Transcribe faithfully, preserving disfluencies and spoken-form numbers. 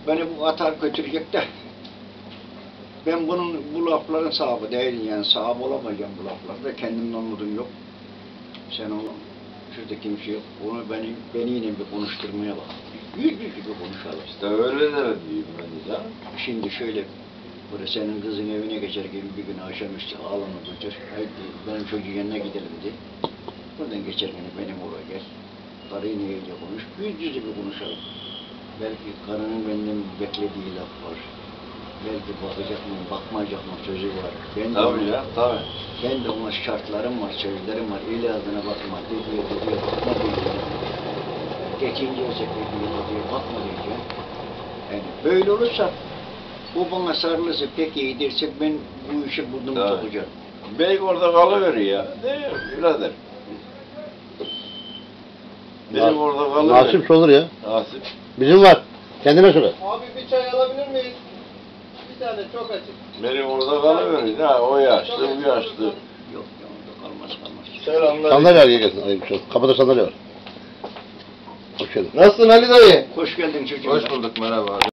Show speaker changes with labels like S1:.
S1: beni bu atar götürecek de ben bunun bu lafların sahibi değilim yani sahibi olamayacağım bu laflarda kendimden umudum yok. Sen onu şurada kimse yok. Onu beni beni yine bir konuşturmaya bak. Yüz yüz gibi konuşalım.
S2: İşte öyle de diyeyim ben de.
S1: Şimdi şöyle burada senin kızın evine geçer gibi bir gün akşamüstü ağlama götür. Haydi benim çocuğun yanına gidelim dedi. Buradan geçerken benim oraya gel. Karıyla iyice konuş. Yüz yüze bir konuşalım. Belki karının benden beklediği laf var. Belki bakacak mı, bakmayacak mı sözü var. Ben
S2: Tabii
S1: de,
S2: ya, tabii.
S1: Ben de ona şartlarım var, sözlerim var. El ağzına bakma, dediği dediği bakma diyeceğim. Geçince olsa dediği dediği bakma diyeceğim. Yani böyle olursa, o bana sarılırsa pek iyi derse ben bu işi burnumu sokacağım.
S2: Bey orada kalıveriyor ya. Değil mi birader? Benim orada kalıveriyor.
S3: Nasip olur ya.
S2: Nasip.
S3: Bizim var. Kendine söyle.
S4: Abi bir çay alabilir miyiz? Bir tane çok açık.
S2: Benim orada kalıveriyor. Ha, o yaşlı, bu yaşlı.
S1: Yok, yok, kalmaz, kalmaz.
S4: Selamlar.
S3: Sandalye al gelsin. Alayım şu. Kapıda sandalye var. Hoş geldin.
S4: Nasılsın Ali dayı?
S1: Hoş geldin çocuğum.
S2: Hoş bulduk, merhaba.